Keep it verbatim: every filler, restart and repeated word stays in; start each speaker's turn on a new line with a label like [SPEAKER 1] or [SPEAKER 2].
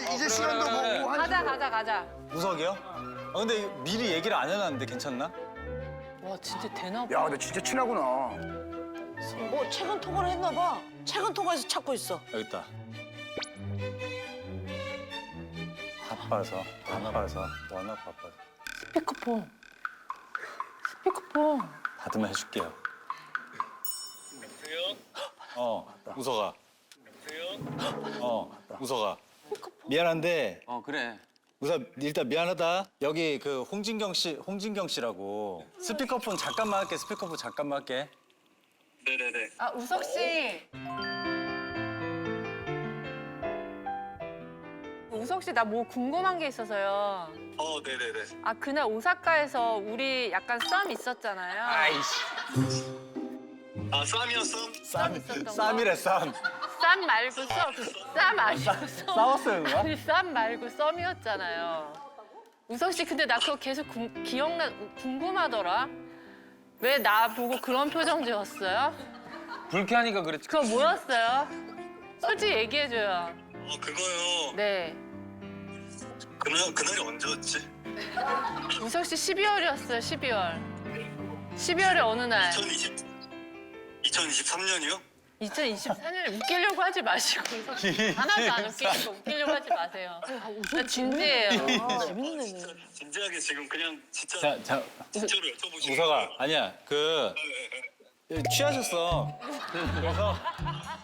[SPEAKER 1] 이제 시간도 보고 한
[SPEAKER 2] 가자 가자 가자.
[SPEAKER 3] 우석이요? 아 근데 미리 얘기를 안 해놨는데 괜찮나?
[SPEAKER 2] 와 진짜 되나 봐.
[SPEAKER 1] 야, 근데 진짜 친하구나.
[SPEAKER 4] 뭐 최근 통화를 했나 봐. 최근 통화에서 찾고 있어.
[SPEAKER 3] 여기 있다. 바빠서, 바빠서, 워낙 바빠서.
[SPEAKER 2] 스피커폰. 스피커폰.
[SPEAKER 3] 받으면 해줄게요.
[SPEAKER 5] 여보세요?
[SPEAKER 3] 어, 우석아.
[SPEAKER 5] 여보세요?
[SPEAKER 3] 어, 우석아. 미안한데,
[SPEAKER 6] 어 그래.
[SPEAKER 3] 우석 일단 미안하다. 여기 그 홍진경 씨, 홍진경 씨라고. 스피커폰 잠깐만 할게. 스피커폰 잠깐만 할게.
[SPEAKER 5] 네네네.
[SPEAKER 2] 아 우석 씨. 우석 씨 나 뭐 궁금한 게 있어서요.
[SPEAKER 5] 어, 네네네.
[SPEAKER 2] 아 그날 오사카에서 우리 약간 썸 있었잖아요.
[SPEAKER 3] 아이씨.
[SPEAKER 5] 아, 쌈이었어?
[SPEAKER 2] 썸 있었던 거.
[SPEAKER 3] 쌈이래, 쌈.
[SPEAKER 2] 쌈 말고 썸. 쌈 아니고 썸.
[SPEAKER 3] 싸웠어요, 누가?
[SPEAKER 2] 아니 쌈 말고 썸이었잖아요. 우석 씨 근데 나 그거 계속 궁- 기억나 궁금하더라. 왜 나 보고 그런 표정 지었어요?
[SPEAKER 6] 불쾌하니까 그랬지.
[SPEAKER 2] 그거 뭐였어요? 솔직히 얘기해줘요.
[SPEAKER 5] 어, 그거요.
[SPEAKER 2] 네.
[SPEAKER 5] 그날, 그날이 언제였지?
[SPEAKER 2] 우석 씨 십이월이었어요, 십이월. 십이월의 어느 날.
[SPEAKER 5] 이천이십, 이천이십삼 년이요?
[SPEAKER 2] 이천이십사 년에 웃기려고 하지 마시고 우석 씨 하나도 안 웃기니까 웃기려고 하지 마세요. 나 진지해요.
[SPEAKER 4] 아, 재밌네.
[SPEAKER 5] 진지하게 지금 그냥 진짜
[SPEAKER 3] 자, 자,
[SPEAKER 5] 진짜로 여쭤보시는
[SPEAKER 3] 우석아. 아니야, 그, 취하셨어. 그래서